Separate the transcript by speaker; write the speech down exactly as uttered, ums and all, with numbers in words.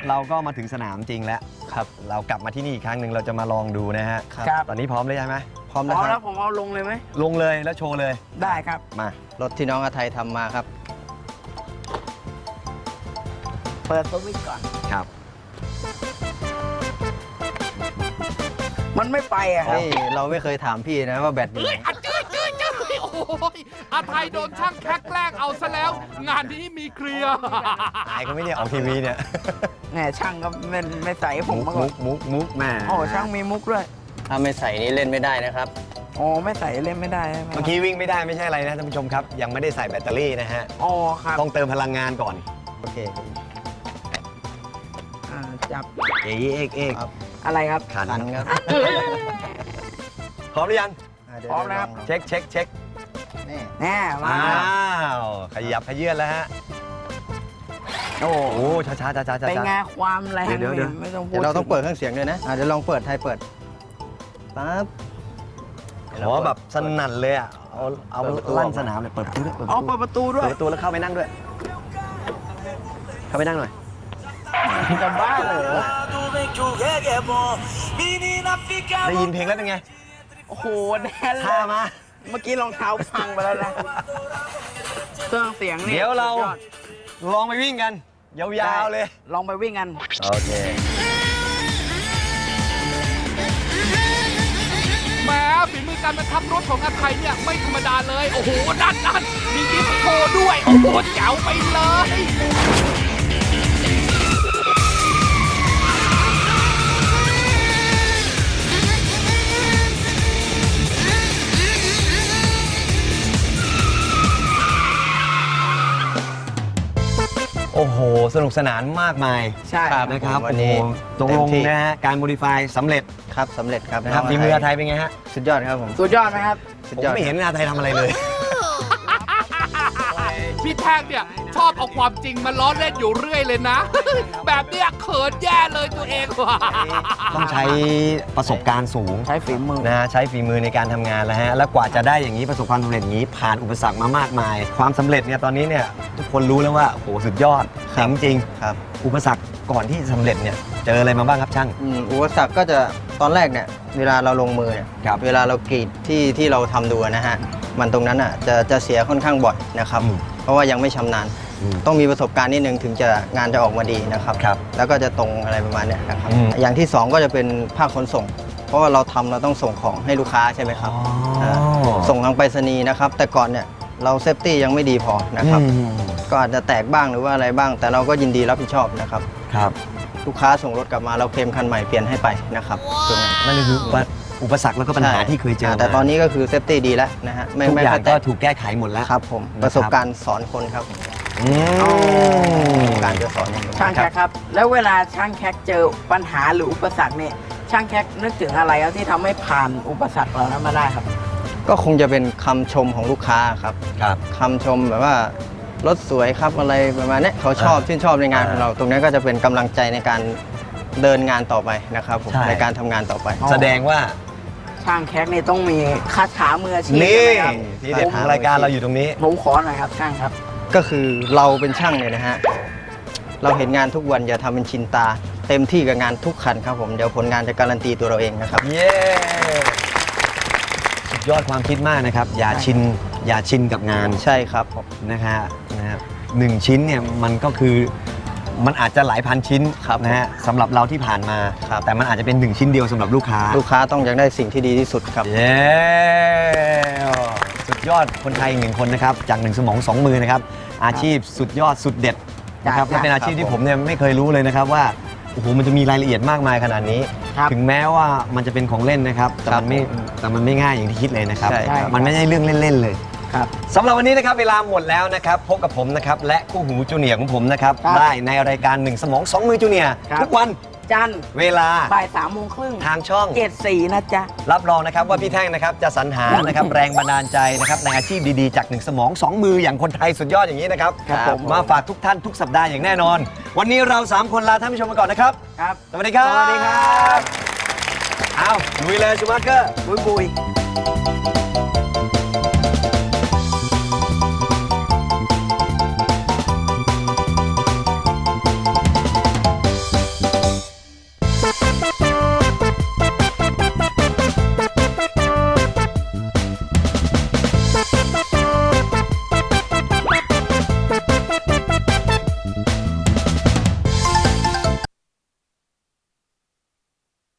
Speaker 1: เราก็มาถึงสนามจริงแล้วครับเรากลับมาที่นี่อีกครั้งหนึ่งเราจะมาลองดูนะฮะ
Speaker 2: ครับ
Speaker 1: ตอนนี้พร้อมเลยใช่ไหม
Speaker 2: พร้อมแล้วครับผมเอาลงเลยไหม
Speaker 1: ลงเลยแล้วโชว์เลย
Speaker 2: ได้ครับ
Speaker 1: มาร
Speaker 3: ถที่น้องอาไทยทำมาครับ
Speaker 2: เปิดสวิตช์ก่อน
Speaker 1: ครับ
Speaker 2: มันไม่ไปอะครับ
Speaker 3: นี่เราไม่เคยถามพี่นะว่าแบตอยู่ไหน
Speaker 4: โอ้ยอาไทยโดนช่างแคกแกล้งเอาซะแล้ว งานนี้มีเคลียร์
Speaker 1: ตายก็ไม่ได้ออกทีวีเนี่ย
Speaker 2: แหมช่างก็ไม่ไม่ใส่ผมมาก่อน
Speaker 1: มุกมุกแม่
Speaker 2: โอ้ช่างมีมุกด้วย
Speaker 3: ถ้าไม่ใส่นี่เล่นไม่ได้นะครับ
Speaker 2: โอ้ไม่ใส่เล่นไม่ได้
Speaker 1: เมื่อกี้วิ่งไม่ได้ไม่ใช่อะไรนะท่านผู้ชมครับยังไม่ได้ใส่แบตเตอรี่นะฮะ
Speaker 2: อ๋อครับ
Speaker 1: ต้องเติมพลังงานก่อน
Speaker 3: โอเค
Speaker 2: จับ
Speaker 1: เอ๊ะเอ๊ะเอ๊ะ
Speaker 2: อะไรครับ
Speaker 1: ขัน
Speaker 3: ครับ
Speaker 1: พร้อมหรือยัง
Speaker 2: พร้อมแล้ว
Speaker 1: เช็คเช็คเช็ค
Speaker 2: นี่แน่มา
Speaker 1: ขยับขยื่นแล้วฮะโอ้โหช้าช้าช้าช้าช้า
Speaker 2: เป็นไงความแรงเดี๋ยวเดี๋ยว
Speaker 3: ไม่ต้องพูดเราต้องเปิดเครื่องเสียงด้วยนะเดี๋ยวลองเปิดไทยเปิดปั๊บ
Speaker 1: โอ้แบบสนั่นเลยอ่ะเอาเอาลั่นสนามเลยเปิดประตูด้วย
Speaker 2: เอาเปิดประตูด้วย
Speaker 1: เปิดประตูแล้วเข้าไปนั่งด้วยเข้าไปนั่งหน่อย
Speaker 2: จะบ้าเลย
Speaker 1: ได้ยินเพลงแล้วเป็นไง
Speaker 2: โอ้โหแน่เลย
Speaker 1: ท่ามา
Speaker 2: เมื่อกี้รองเท้าพังไปแล้วนะเครื่องเสียงนี่
Speaker 1: เดี๋ยวเราลองไปวิ่งกันยาวๆเลย
Speaker 2: ลองไปวิ่งกัน
Speaker 1: โอเค
Speaker 4: แม้ฝีมือการมาทำรถของอาไทยเนี่ยไม่ธรรมดาเลยโอ้โหนั่นนั่นมีดิสโก้ด้วยโอ้โหแจ๋วไปเลย
Speaker 1: โอ้โหสนุกสนานมากมาย
Speaker 2: ใช่
Speaker 1: นะครับวันนี้ตรงลงนะฮะการโมดิฟายสำเร็จ
Speaker 3: ครับสำเร็จครับ
Speaker 1: นะครับฝีมืออาไทยเป็นไงฮะ
Speaker 3: สุดยอดครับผม
Speaker 2: สุดยอดไหมครับ
Speaker 1: ผมไม่เห็นอาไทยทำอะไรเลย
Speaker 4: พี่แท่งเนี่ยชอบเอาความจริงมาล้อเล่นอยู่เรื่อยเลยนะแบบเนี้ยเขินแย่เลยตัวเองว่ะ
Speaker 1: ต้องใช้ประสบการณ์สูง
Speaker 2: ใช้ฝีมือ
Speaker 1: นะฮะใช้ฝีมือในการทำงานแล้วฮะแล้วกว่าจะได้อย่างนี้ประสบความสำเร็จอย่างนี้ผ่านอุปสรรคมามากมายความสำเร็จเนี่ยตอนนี้เนี่ยทุกคนรู้แล้วว่าโอ้โหสุดยอดจริง
Speaker 3: ครับ
Speaker 1: อุปสรรคก่อนที่สำเร็จเนี่ยเจออะไรมาบ้างครับช่าง
Speaker 3: อุปสรรคก็จะตอนแรกเนี่ยเวลาเราลงมือเนี่ยเวลาเรากรีดที่ที่เราทำดูนะฮะมันตรงนั้นอ่ะจะจะเสียค่อนข้างบ่อยนะครับเพราะว่ายังไม่ชำนาญต้องมีประสบการณ์นิดนึงถึงจะงานจะออกมาดีนะครับแล้วก็จะตรงอะไรประมาณนี้นะครับอย่างที่สองก็จะเป็นภาคขนส่งเพราะว่าเราทำเราต้องส่งของให้ลูกค้าใช่ไหมครับส่งทางไปรษณีย์นะครับแต่ก่อนเนี่ยเราเซฟตี้ยังไม่ดีพอนะครับก็อาจจะแตกบ้างหรือว่าอะไรบ้างแต่เราก็ยินดีรับผิดชอบนะครับ
Speaker 1: ครับ
Speaker 3: ลูกค้าส่งรถกลับมาเราเคลมคันใหม่เปลี่ยนให้ไปนะครับตรงนั้น
Speaker 1: นั่นคืออุปสรรคแล้วก็ปัญหาที่เคยเจอ
Speaker 3: แต่ตอนนี้ก็คือเซฟตี้ดีแล้วนะฮะ
Speaker 1: ทุกอย่างก็ถูกแก้ไขหมดแล้ว
Speaker 3: ครับผมประสบการณ์สอนคนครับการจะสอน
Speaker 2: ช่างแคกครับแล้วเวลาช่างแคกเจอปัญหาหรืออุปสรรคเนี่ยช่างแคกนึกถึงอะไรครับที่ทำให้ผ่านอุปสรรคเหล่านั้นมาได้ครับ
Speaker 3: ก็คงจะเป็นคำชมของลูกค้าครับ
Speaker 1: ครับ
Speaker 3: คำชมแบบว่ารถสวยครับอะไรประมาณนี้เขาชอบชื่นชอบในงานของเราตรงนี้ก็จะเป็นกำลังใจในการเดินงานต่อไปนะครับผมในการทำงานต่อไป
Speaker 1: แสดงว่า
Speaker 2: ช่างแคกนี่ต้องมีคาถามืออาชีพ
Speaker 1: นี่ที่เด็ดของรายการเราอยู่ตรงนี้
Speaker 2: ผมขอหน่อยครับช่างครับ
Speaker 3: ก็คือเราเป็นช่างเนี่ยนะฮะเราเห็นงานทุกวันอย่าทำเป็นชินตาเต็มที่กับงานทุกคันครับผมเดี๋ยวผลงานจะการันตีตัวเราเองนะครับ
Speaker 1: เย้สุดยอดความคิดมากนะครับอย่าชินอย่าชินกับงาน
Speaker 3: ใช่ครับ
Speaker 1: นะฮะนะครับหนึ่งชิ้นเนี่ยมันก็คือมันอาจจะหลายพันชิ้นนะฮะสำหรับเราที่ผ่านมาแต่มันอาจจะเป็นหนึ่งชิ้นเดียวสำหรับลูกค้า
Speaker 3: ลูกค้าต้องอยากได้สิ่งที่ดีที่สุดครับ
Speaker 1: เย้สุดยอดคนไทยหนึ่งคนนะครับจากหนึ่งสมองสองมือนะครับอาชีพสุดยอดสุดเด็ดนะครับและเป็นอาชีพที่ผมเนี่ยไม่เคยรู้เลยนะครับว่าโอ้โหมันจะมีรายละเอียดมากมายขนาดนี้ถึงแม้ว่ามันจะเป็นของเล่นนะครับแต่มันไม่แต่มันไม่ง่ายอย่างที่คิดเลยนะครับมันไม่ใช่เรื่องเล่นๆเลยสำหรับวันนี้นะครับเวลาหมดแล้วนะครับพบกับผมนะครับและคู่หูจูเนียร์ของผมนะครับได้ในรายการหนึ่งสมองสองมือจูเนียร์ทุกวัน
Speaker 2: จันทร์
Speaker 1: เวลา
Speaker 2: บ่ายสามโมงครึ่ง
Speaker 1: ทางช่อง
Speaker 2: เจ็ดสี่นะจ๊ะ
Speaker 1: รับรองนะครับว่าพี่แท่งนะครับจะสรรหานะครับแรงบันดาลใจนะครับในอาชีพดีๆจากหนึ่งสมองสองมืออย่างคนไทยสุดยอดอย่างนี้นะครับมาฝากทุกท่านทุกสัปดาห์อย่างแน่นอนวันนี้เราสามคนลาท่านผู้ชมไปก่อนนะครับ
Speaker 2: ครับ
Speaker 1: สวัสดีครับ
Speaker 2: สวัสดีครับ
Speaker 1: เอาลุยเลยชูมาร์เกอร์
Speaker 2: บุยบุย